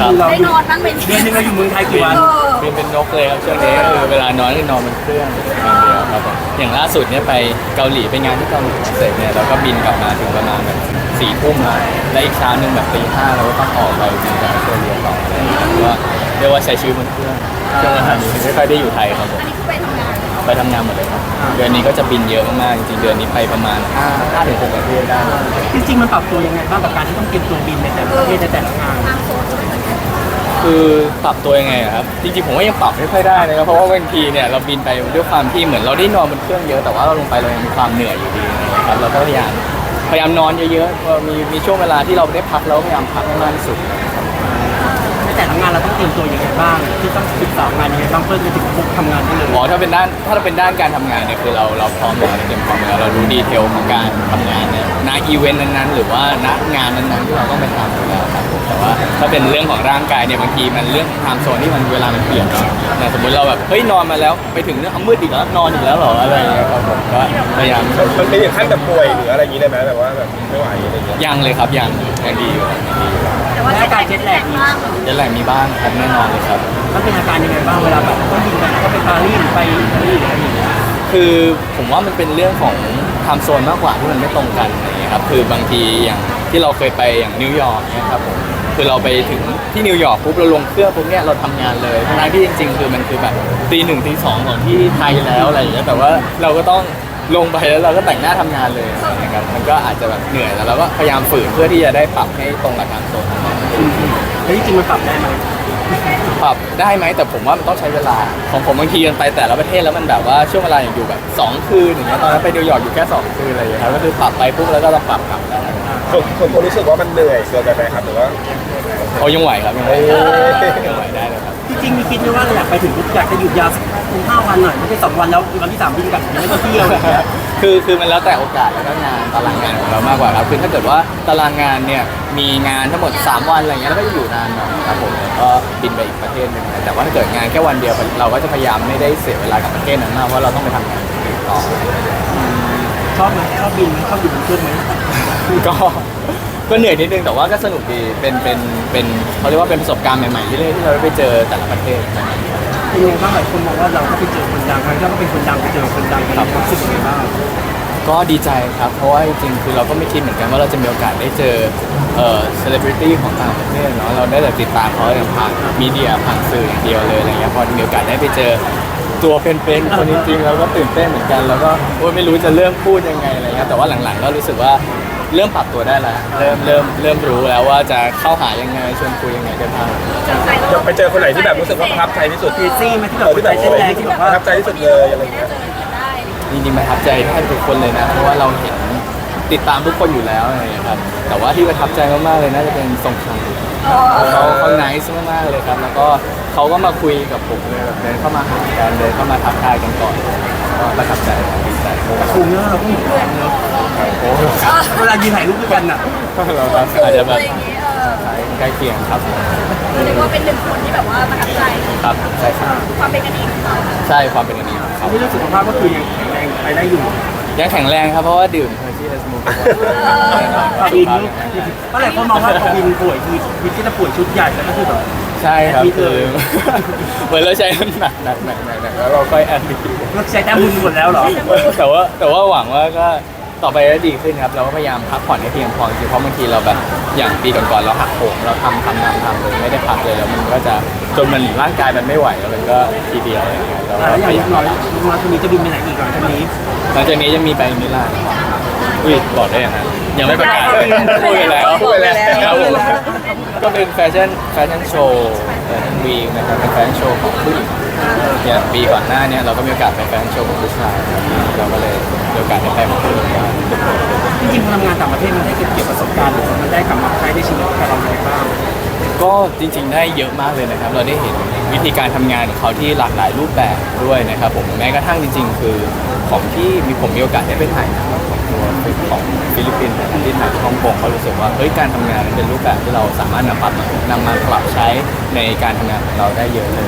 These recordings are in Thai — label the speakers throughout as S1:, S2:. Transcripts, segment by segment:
S1: คือเรา
S2: ได้นอนบ้างเป็น
S1: เดือนหนึงเราอยู่เมืองไทยกี่วัน
S3: บินเป็นนกเลยครับช่วงนี้ก็คือเวลานอนก็นอนบนเครื่องอย่างเดียวครับผมอย่างล่าสุดเนี่ยไปเกาหลีไปงานที่เกาหลีเสร็จเนี่ยเราก็บินกลับมาถึงประมาณแบบ4 ทุ่มและอีกเช้านึงแบบตี 5เราก็ต้องออกไปบินจากออสเตรเลียต่ออะไรอย่างเงี้ยก็เรียกว่าใช้ชีวิตบนเครื่องช่วงเวลานี้ไม่ค่อยได้อยู่ไทยครับผม
S2: อันนี้คือไปทำงาน
S3: ไปทำงานหมดเลยครับเดือนนี้ก็จะบินเยอะมากๆจริงๆเดือนนี้ไปประมาณ5 ถึง 6 ประเทศได้
S1: จริงๆมันปรับตัวยังไงบ้างกับการที่ต้องเตรียมตัวบินในแต่ละประเทศในแต่ละงาน
S2: ทางโซน
S3: คือปรับตัวยังไงอะครับจริงๆผมว่ายังปรับไม่ค่อยได้นะครับเพราะว่าบางทีเนี่ยเราบินไปด้วยความที่เหมือนเราได้นอนบนเครื่องเยอะแต่ว่าเราลงไปเรายังมีความเหนื่อยอยู่ดีนะครับเราก็พยายามนอนเยอะๆพอมีช่วงเวลาที่เราได้พักเราก็พยายามพักให้มากที่สุด
S1: ในแต่ละงานเราต้องเตรียมตัวยังไงบ้างที่ต้องศึกษางานยังไงบ้างเพื่อจะถึงปุ๊บทำงานได้เลย
S3: ถ้าเป็นด้านการทำงานเนี่ยคือเราพร้อมแล้วเราเตรียมพร้อมแล้วเรารู้ดีเทลของการทำงานเนี่ยณอีเวนต์นั้นๆหรือว่าณงานนั้นๆที่เราต้องไปทำอยู่แล้วครับผมแต่ว่าถ้าเป็นเรื่องของร่างกายเนี่ยบางทีมันเรื่องไทม์โซนที่มันเวลามันเปลี่ยนเนาะแต่สมมติเราแบบเฮ้ยนอนมาแล้วไปถึงเนี่ยเอามืดอีกแล้วนอนอีกแล้วเหรออะไรอย่างเงี้ยครับผมก็พยายาม
S4: มันเป็นอย่างขั้นแบบป่วยหรืออะไรอย่างนี้ได้ไหมแบบว่าแบบไม่ไหวอะไรอย่างเงี้ย
S3: ยังเลยครับยังดีอยู่ยังดีอยู่
S2: แต่ว่าจะการเจ็ตแลกบ้าง
S3: เดี๋ยวแหล่งมีบ้างครับแน่นอนเลยครับ
S1: มันเป็นอาการยังไงบ้างเวลาแบบต้องบินไปก็ไปปารีสไปอิตาลีหรืออะไรอย่างเงี้ย
S3: คือผมว่ามันเป็นเรื่องของไทม์โซนมากกว่าที่มันไม่ตรงกันอะไรอย่างเงี้ยครับคือบางทีอย่างที่เราเคยไปอย่างนิวยอร์กเนี่ยครับผมคือเราไปถึงที่นิวยอร์กปุ๊บเราลงเครื่องปุ๊บเนี่ยเราทำงานเลยทั้งที่จริงๆคือมันคือแบบตี 1 ตี 2ของที่ไทยแล้วอะไรอย่างเงี้ยแต่ว่าเราก็ต้องลงไปแล้วเราก็แต่งหน้าทำงานเลยนะครับมันก็อาจจะแบบเหนื่อยแล้วเราก็พยายามฝืนเพื่อที่จะได้ปรับให้ตรงกับไทม์โซน
S1: แล้วจริงๆมันปรับได้ไหม
S3: ปรับได้ไหมแต่ผมว่ามันต้องใช้เวลาของผมบางทีมันไปแต่ละประเทศแล้วมันแบบว่าช่วงเวลาอย่างอยู่แบบ2 คืนอย่างเงี้ยตอนนั้นไปนิวยอร์กอยู่แค่2 คืนอะไรอย่างเงี้ยครับก็คือปรับไปปุ๊บแล้วก็ต้องปรับกลับแล้ว
S4: ส่วนตัวรู้สึกว่ามันเหนื่อยเกินไปไหมครับหรือว่า
S3: เขายังไหวครับยังไหวได้เลยครับ
S1: จริงๆมีคิดไหมว่าเราอยากไปถึงปุ๊บอยากจะหยุดยาวสัก5 วันหน่อยไม่ใช่2 วันแล้ววันที่ 3บินกลับยังไม่ได้เที่ยวอย่างเงี้ย
S3: คือมันแล้วแต่โอกาสแล้วก็งานตารางงานของเรามากกว่าครับคือถ้าเกิดว่าตารางงานเนี่ยมีงานทั้งหมด3 วันอะไรเงี้ยแล้วก็จะอยู่นานหน่อยครับผมแล้วก็บินไปอีกประเทศหนึ่งแต่ว่าถ้าเกิดงานแค่วันเดียวเราก็จะพยายามไม่ได้เสียเวลากับประเทศนั้นมากเพราะเราต้องไปทำงานอื่นต่อ
S1: ชอบไหมชอบบินไหมชอบอยู่บนเครื่องไหม
S3: ก็เหนื่อยนิดนึงแต่ว่าก็สนุกดีเป็นเขาเรียกว่าเป็นประสบการณ์ใหม่ๆที่เราได้ไปเจอแต่ละประเทศนะครับ
S1: เป็นยังไงบ้างหลายคนมองว่าเราก็ไปเจอคนดังครั้งที่เราก็เป็นคนดังไปเจอคนดังกันเรารู้สึกยังไงบ้าง
S3: ก็ดีใจครับเพราะว่าจริงๆคือเราก็ไม่คิดเหมือนกันว่าเราจะมีโอกาสได้เจอเซเลบริตี้ของต่างประเทศเนาะเราได้แต่ติดตามเขาอย่างผ่านมีเดียผ่านสื่ออย่างเดียวเลยอะไรเงี้ยพอมีโอกาสได้ไปเจอตัวเป็นๆคนจริงๆเราก็ตื่นเต้นเหมือนกันแล้วก็โอ๊ยไม่รู้จะเริ่มพูดยังไงอะไรเงี้ยแต่ว่าหลังๆก็รู้สึกว่าเริ่มปรับตัวได้แล้วเริ่มรู้แล้วว่าจะเข้าหายังไงชวนคุยยังไงได้บ้าง
S4: จะไปเจอคนไหนที่แบบรู้สึกว่าประทับใจที่สุด
S1: เจซี่ไหมที่แบบหัวใจเต้นแรงที่แบบ
S4: ป
S1: ว่า
S4: ระทับใจที่สุดเลยอะไรอย่างเงี้ย
S3: จริงๆประทับใจแทบทุกคนเลยนะเพราะว่าเราเห็นติดตามทุกคนอยู่แล้วอะไรอย่างเงี้ยครับแต่ว่าที่ประทับใจมากๆเลยน่าจะเป็นทรงชัยเขาไนซ์มากๆเลยครับแล้วก็เขาก็มาคุยกับผมเลยแบบเดินเข้ามาหากันเดินเข้ามาทักทายกันก่อนก็ประทับใจดีใจ
S1: คุมเนอะเราก็มีแรงเนอะ
S3: โอ้
S1: เวลายืนถ่ายรูปด้วยกันอ่ะ
S3: เราอาจจะแบบใกล้เคียงครับ
S2: เรียกว่าเป็น1 คนที่แบบว่าประทับใจ
S3: ครับใช่ครับ
S2: ความเป็นกันเองของเรา
S3: ใช่ความเป็นอันนี้ครับ
S1: ที่เรื่องสุขภาพก็คือยังแข็งแรงไปได้อยู่
S3: ยังแข็งแรงครับเพราะว่าดื่มเฮอร์ชี่และสมูท
S1: พอบินก็หลายคนมองว่าพอบินป่วยคือวิธีจะป่วยชุดใหญ่แล้วก็คือแบบ
S3: ใช่ครับคือ เหมือนเราใช้หนักแล้วเราค่อยแอนดี้
S1: เราใช้แต้มบุญหมดแล้วเหรอ
S3: แต่ว่าหวังว่าก็ต่อไปจะดีขึ้นครับเราก็พยายามพักผ่อนให้เพียงพอจริงๆเพราะบางทีเราแบบอย่างปีก่อนๆเราหักโหมเราทำเลยไม่ได้พักเลยแล้วมันก็จะจนมันร่างกายมันไม่ไหวแล้วมันก็ทีเดียวอะไรอย่างเงี้ยเรา
S1: แล้ว
S3: ก็
S1: อย่าง
S3: พยายาม
S1: น้อยคนนี้จะบินไปไหนอีกหลังจากนี้
S3: หลังจากนี้จะมีไปมิลานครับอุ้ยบอกได้ยังไงยังไม่ประกาศเลยพูดไปแล้วครับผมก็เป็นแฟชั่นโชว์แฟชั่นวีคนะครับเป็นแฟชั่นโชว์ของผู้หญิงอย่างปีก่อนหน้าเนี่ยเราก็มีโอกาสไปแฟชั่นโชว์ของผู้ชายเราก็เลยมีโอกาสได้ไปมาคู่กัน
S1: จริงๆพอทำงานต่างประเทศมันได้เก็บประสบการณ์หรือมันได้กลับมาใช้ในชีวิตกับเราอย่างไรบ้าง
S3: ก็จริงๆได้เยอะมากเลยนะครับเราได้เห็นวิธีการทำงานของเขาที่หลากหลายรูปแบบด้วยนะครับผมแม้กระทั่งจริงๆ คือของที่ผมมีโอกาสได้ไปถ่ายหนังของตัวของฟิลิปปินส์นะครับที่ถ่ายที่ฮ่องกงเขารู้สึกว่าเฮ้ยการทำงานมันเป็นรูปแบบที่เราสามารถนำมาปรับใช้ในการทำงานของเราได้เยอะเลย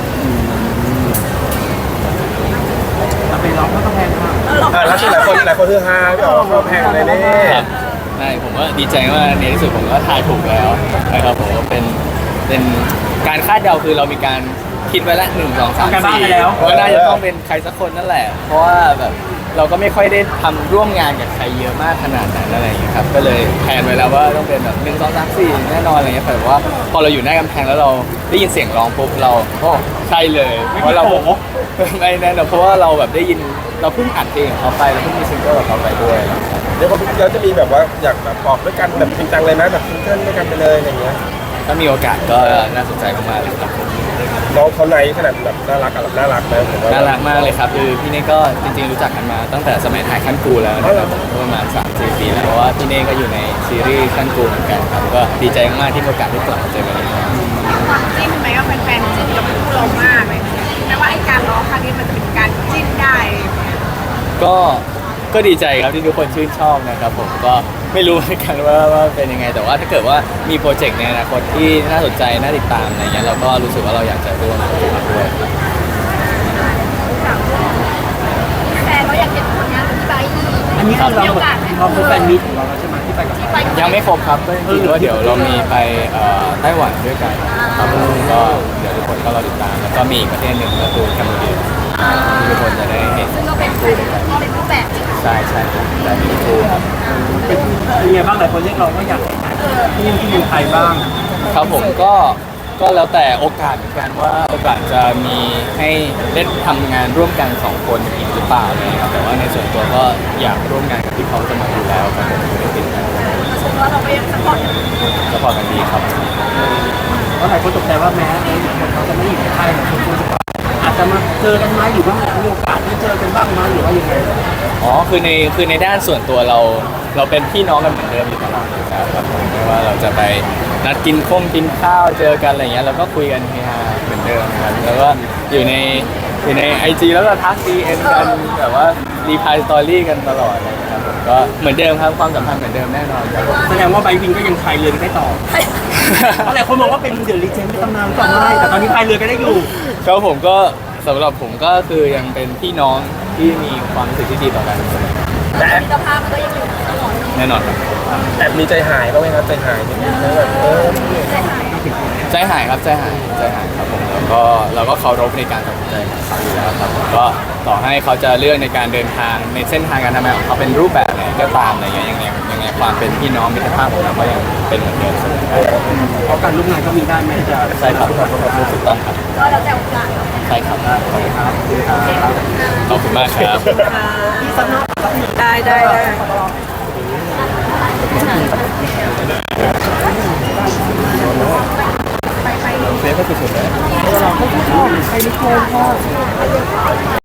S1: เราไปร้องก็ต้องแพงมาก
S4: แล้วที่หลายคนฮือฮาก็เข้าแพงเลยนี่
S3: ครับใช่ผมว่าดีใจมากในที่สุดผมก็ทายถูกแล้วนะครับผมว่าเป็นเป็นการคาดเดาคือเรามีการคิดไว้ละ1 2 3
S1: การบ้านไปแล้ว
S3: 4ว่าน่าจะต้องเป็นใครสักคนนั่นแหละ เพราะว่าแบบเราก็ไม่ค่อยได้ทำร่วมงานกับใครเยอะมากขนาดนั้นอะไรอย่างเงี้ยครับก็เลยแพลนไว้แล้วว่าต้องเป็นแบบ1 2 3 4แน่นอนอะไรเงี้ยแต่ว่าพอเราอยู่หน้ากำแพงแล้วเราได้ยินเสียงร้องปุ๊บเราโอ้ใช่เลยเพราะเรา ไม่แน่นอนเพราะว่าเราแบบได้ยินเราเพิ่งอัดเพลงของเขาไปเราเพิ่งมีซิงเกิลของเขาไปด้วย
S4: เดี๋ยวเราจะมีแบบว่าอยากแบบออกด้วยกันแบบจริงจังเลยไหมแบบซิงเกิลด้วยกันไปเลยอะไรเงี้ย
S3: ถ้ามีโอกาสก็น่าสนใจมากๆเลยครับผม
S4: น้องเขาในขนาดแบบน่ารักแบบน่ารักนะผมว่า
S3: น่ารักมากเลยครับคือพี่เน่ก็จริงๆรู้จักกันมาตั้งแต่สมัยถ่ายขั้นกูแล้วนะครับผมประมาณ3-4 ปีแล้วเพราะว่าพี่เน่ก็อยู่ในซีรีส์ขั้นกูเหมือนกันครับก็ดีใจมากๆที่มีโอกาสได้กลับมาเจอกันอีกครั้ง
S2: ความจิ้นไหมว่าแฟนๆจิ้นกับคู่เรามากเลยแม้ว่าไอ้การร้องครั้งนี้มันจะเป็นการจิ้นได้
S3: ก็ดีใจครับที่ทุกคนชื่นชอบนะครับผมก็ไม่รู้เหมือนกันว่าเป็นยังไงแต่ว่าถ้าเกิดว่ามีโปรเจกต์ในอนาคตที่น่าสนใจน่าติดตามอะไรเงี้ยเราก็รู้สึกว่าเราอยากจะร่วมโปรเจกต์ด้วยครับ
S2: แฟนเราอยากเห็นผลงานของพี่ไบร์ทอีก
S1: อันนี้คือเรา
S2: มีโอกาสไหม
S1: เราเป็นแฟนมิตรของเราแล้วใช่ไหมที่ไปกับ
S2: ที่
S1: เขา
S2: ไปกับ
S3: ยังไม่ครบครับก็จริงๆว่าเดี๋ยวเรามีไปไต้หวันด้วยกันครับผมก็เดี๋ยวทุกคนก็รอติดตามแล้วก็มีอีกประเทศหนึ่งก็คือกัมพูชาที่ทุกคนจะได้เห็น
S2: ซึ่งก็เป็นรูปแบบ
S3: ใช่ครับแต่มีคู่ครับ
S1: เป็นยังไงบ้างหลายคนเรียกร้องว่าอยากไปถ่ายที่เมืองไทยบ้าง
S3: ครับผมก็แล้วแต่โอกาสเหมือนกันว่าโอกาสจะมีให้ได้ทำงานร่วมกัน2 คนอีกหรือเปล่าอะไรเลยครับแต่ว่าในส่วนตัวก็อยากร่วมงานกับพี่เขาจะมาอยู่แล้วครับผมไม่ได้ติดอะไร
S2: ชมว่าเราก็ยังสปอร์ต
S3: ก็พอกันดีครับ
S1: เพราะหลายคนตกใจว่าแม้คนเขาจะไม่อยู่ในไทยหลายคนจะอาจจะมาเจอกันไหมหรือว่ามีโอกาสได้เจอกันบ้างไหมหรือว่ายังไง
S3: อ๋อคือในด้านส่วนตัวเราเป็นพี่น้องกันเหมือนเดิมอยู่ตลอดครับผมไม่ว่าเราจะไปนัดกินข้าวเจอกันอะไรเงี้ยเราก็คุยกันเฮฮาเหมือนเดิมครับแล้วก็อยู่ในไอจีแล้วก็ทักดีเอ็นกันแบบว่ารีพายสตอรี่กันตลอดเลยครับผมก็เหมือนเดิมครับความสัมพันธ์เหมือนเดิมแน่นอนครับ
S1: แสดงว่าไบวินก็ยังพายเรือได้ต่อเพราะหลายคนมองว่าเป็นเดอะลีเจนด์เป็นตำนานต่อไม่แต่ตอนนี้พายเรือก็ได้อยู่
S3: ครับผมก็สำหรับผมก็คือยังเป็นพี่น้องที่มีความรู้สึกที่ดีต่อกันเสมอ
S4: แต่
S2: มิตรภาพมันก็ยังอยู่ตลอด
S3: แน่นอนครับ
S4: แอบมีใจหายบ้างไหมครับใจหายนิดนึงนะแบบ
S2: ใจหาย
S3: ใจหายครับใจหายครับผมแล้วก็เราก็เคารพในการตัดสินใจของเขาอยู่แล้วครับผมก็ต่อให้เขาจะเลือกในการเดินทางในเส้นทางการทำงานของเขาเป็นรูปแบบไหนก็ตามอะไรเงี้ยยังไงความเป็นพี่น้องมิตรภาพของเราก็ยังเป็นเหมือนเดิมเสมอครับ
S1: เพราะการร่วมงานก็มีได้ไหมจะ
S3: ใช่ครับถูกต้องครับ
S2: ก็แล้วแต่โอกาสเนาะ
S3: ใช่ครับ
S1: ครับ
S3: ขอบคุณมากครับ
S1: ที่สักหน้า
S2: ได้ได้
S3: เซฟก็สุดๆเลย
S1: เราก็ชอบใครไม่ชอบ